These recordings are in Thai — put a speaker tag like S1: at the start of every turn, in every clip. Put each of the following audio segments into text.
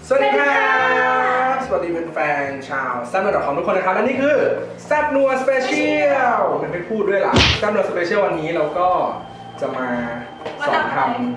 S1: สวัสดีครับสวัสดีเป็นแฟนชาวแซ่บนัวดอทคอมทุกคนนะครับและนี่คือแซ่บนัวสเปเชียลไม่พูดด้วยล่ะแซ่บนัวสเปเชียลวันนี้เราก็จะมาสอนทำ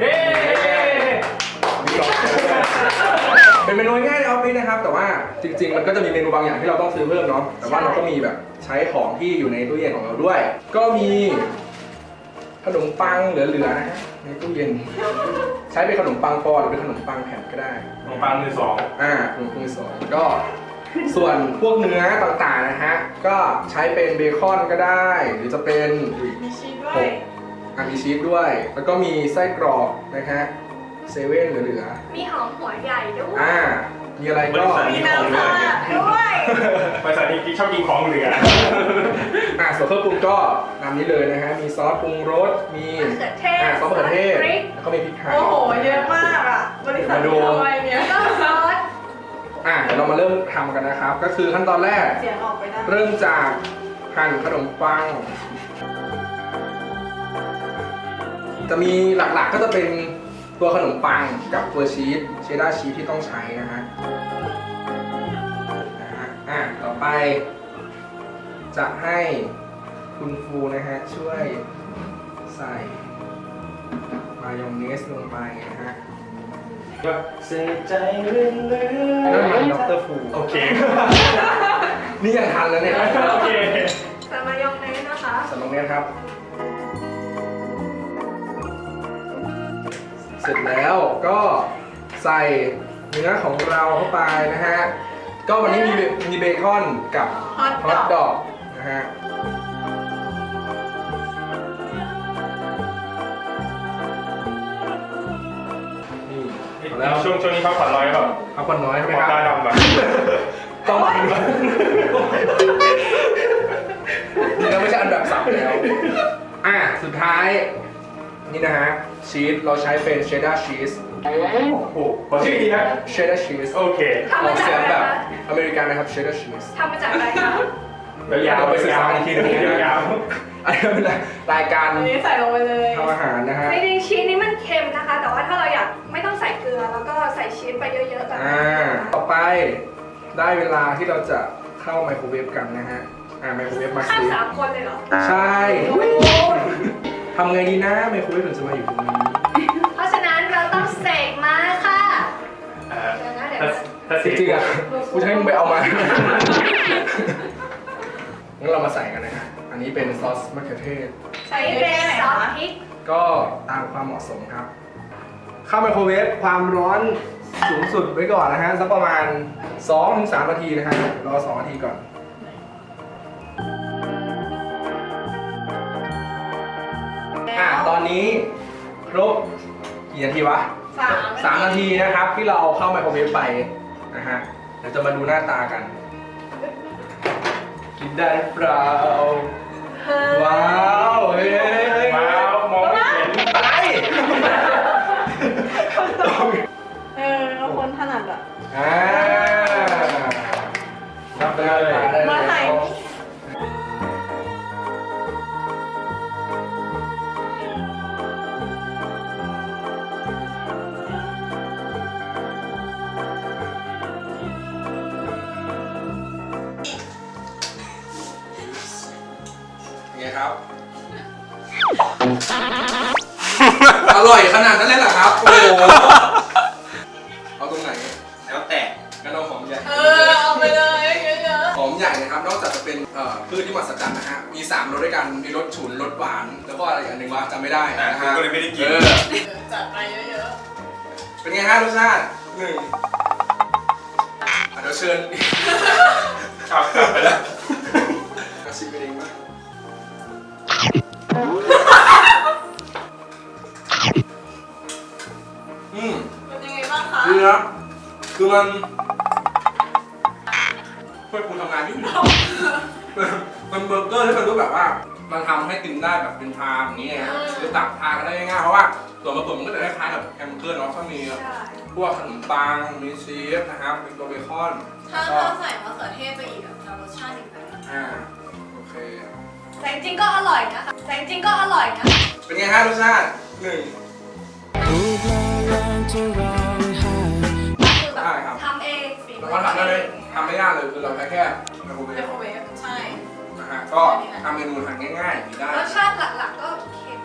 S1: เป็นเมนูง่ายในออฟฟิศนะครับแต่ว่าจริงๆมันก็จะมีเมนูบางอย่างที่เราต้องซื้อเพิ่มเนาะแต่ว่าเราก็มีแบบใช้ของที่อยู่ในตู้เย็นของเราด้วยก็มีขนมปังเหลือๆนะฮะในตู้เย็นใช้เป็นขนมปังปอนหรือเป็นขนมปังแผ่นก็ได้
S2: ขนมปังมือสอง
S1: ขนมปังมือสองก็ส่วนพวกเนื้อต่างๆนะฮะก็ใช้เป็นเบคอนก็ได้หรือจะเป็น
S3: มีชีสด้วย
S1: มีชีสด้วยแล้วก็มีไส้กรอกนะฮะเซเว่นเหลือ
S3: มีหอมหัวใหญ่ด้วย
S1: มีอะไรก็
S3: มีน้ำปลาด้วย
S2: บริษัทนี้ชอบกินของเหลือ
S1: ส่วนเครื่องปรุงก็นำนี้เลยนะฮะมีซอสปรุงรสมีซอสมะเขือเทศแล้วก็มีพริกไทย
S3: โอ้โหเยอะมากอ่ะบริษัทนี้ทำอะไรเนี่ยก็ซอส
S1: เดี๋ยวเรามาเริ่มทำกันนะครับก็คือขั้นตอนแรก
S3: เสียงออกไปได้
S1: เริ่มจากหั่นขนมปังจะมีหลักๆก็จะเป็นตัวขนมปังกับตัวชีสเชดดาร์ชีสที่ต้องใช้นะฮะต่อไปจะให้คุณฟูนะฮะช่วยใส่มายองเนสลงไปนะฮะ
S2: เสียใจเรื่อยๆ
S1: นั่นมันดร.ฟู
S2: โอเค
S1: นี่ยังทันแล้วเนี่ย
S2: โอเค
S3: ใส่มายองเนสนะคะ
S1: ใส่มายองเนสครับเสร็จแล้วก็ใส่เนื้อของเราเข้าไปนะฮะก็วันนี้มีเบคอนกับฮอทดอกนะฮะ
S2: นี่แล้วช่วงนี้พักผ่อนน้อยครับ
S1: พักผ่อนน้อยใช่ไหมครับ
S2: ตาดำแบบ
S1: ต้องนี่ก็ไม่ใช่อันแบบสับแล้วสุดท้ายนี่นะฮะชีสเราใช้เป็นเชดดาร์ชีส
S2: โอ้โหขอชื่อดีนะ
S1: เชดดาร์ชีส
S2: โอเค
S1: ออกเสียงแบบอเมริกันนะครับเชดดาร์ชีส
S3: ทำมาจากอะไรคะ
S1: ยาวไปศึกษาอีกทีนึง
S2: ยาว
S1: อันนี้เป็นรายการ
S3: อันนี้ใส่ลงไปเลย
S1: ทำอาหารนะฮะ
S3: จริงๆชีสนี้มันเค็มนะคะแต่ว่าถ้าเราอยากไม่ต้องใส่เกลือแล้วก็ใส่ชีสไปเยอะๆแบบนี้
S1: ต่อไปได้เวลาที่เราจะเข้าไมโครเวฟกันนะฮะไมโครเวฟมา
S3: ข้าม3 คนเลยเหรอ
S1: ใช่ทำไงดีนะไมโครเวฟถึงจะมาอยู่ตรงนี้
S3: เพราะฉะนั้นเราต้องเสกมาค่ะ
S1: จริงๆกูจะให้มึงไปเอามางั้นเรามาใส่กันนะฮะอันนี้เป็นซอสมะเขือเทศ
S3: ใส่เป็นซอสพริก
S1: ก็ตามความเหมาะสมครับเข้าไมโครเวฟความร้อนสูงสุดไว้ก่อนนะฮะสักประมาณ 2-3 นาทีนะฮะรอ2 นาทีก่อนตอนนี้ครบกี่นาทีวะ3 นาทีนะครับที่เราเข้าไมโครเวฟไปนะฮะเดี๋ยวจะมาดูหน้าตากันกินได้หรือเปล่าว้าวเฮ้ย
S2: ว้าวมองไม่เห็น
S1: อะไร
S3: คนถนัดอ่ะ
S1: รับไปเลย
S3: มาไหน
S1: ครับ อร่อยขนาดนั้นเลยเหรอครับโอ้โหเอาตรงไหน
S2: แล้วแต่
S1: งั้นเอาหอมใหญ่
S3: เอาไปเลยเยอะ
S1: ๆหอมใหญ่นะครับนอกจากจะเป็นพืชที่มหัศจรรย์นะฮะมี3 รสด้วยกันมีรสฉุนรสหวานแล้วก็อะไรอย่างหนึ่งว่าจำไม่ได้นะฮะ
S2: ก็เลยไม่ได้กิน
S3: จัดไปเยอะ
S1: ๆเป็นไงฮะรสชาติ1เดี๋ยวเชิญ
S2: กลับไปแล้ว
S1: ชิมไปเองบ้าง
S3: เป็นยังไงบ้างคะ
S1: ดีนะคือมันช่วยคุณทำงานยุ่งมันเบอร์เกอร์ที่มันรู้แบบว่ามันทำให้กินได้แบบเป็นชามอย่างนี้ไงหรือตักทานกันได้ง่ายๆเพราะว่าส่วนผสมมันก็จะคล้ายๆกับแฮมเบอร์เกอร์เนาะก็มีพวกขนมปังมีชีสนะครับมีตัวเบคอน
S3: ถ้าใส่มะเขือเทศไปอีกจะรสชาติอีกแบบ
S1: โอเค
S3: แต่จริงก็อร่อยนะคะ
S1: เป็นไงฮะรสชาติ1
S3: ได้ครับ
S1: ว่าทำได้ไหมทำไม่ยากเลยคือเราใช้แค่ไมโครเว
S4: ไม
S1: ฟ
S4: โครเวฟใช่
S1: นะฮะก็ทำเมนูทานง่ายๆกินได้
S3: รสชาติหลักๆก็เค็ม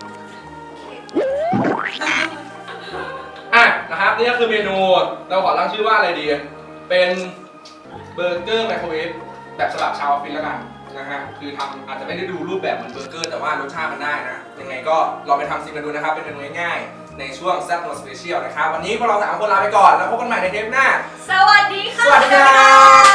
S3: เค็ม
S1: อ่ะนะครับนี่ก็คือเมนูเราขอตั้งชื่อว่าอะไรดีเป็นเบอร์เกอร์ไมโครเวฟแบบฉบับชาวออฟฟิศแล้วกันนะฮะคือทำอาจจะไม่ได้ดูรูปแบบเหมือนเบอร์เกอร์แต่ว่ารสชาติมันได้นะยังไงก็ลองไปทำซิมกันดูนะครับเป็นเมนูง่ายๆในช่วงแซ่บนัวสเปเชียลนะครับวันนี้พวกเรา3 คนลาไปก่อนแล้วพบกันใหม่ในเทปหน้า
S3: สวัสดีค่ะ
S1: สวัสดีครับ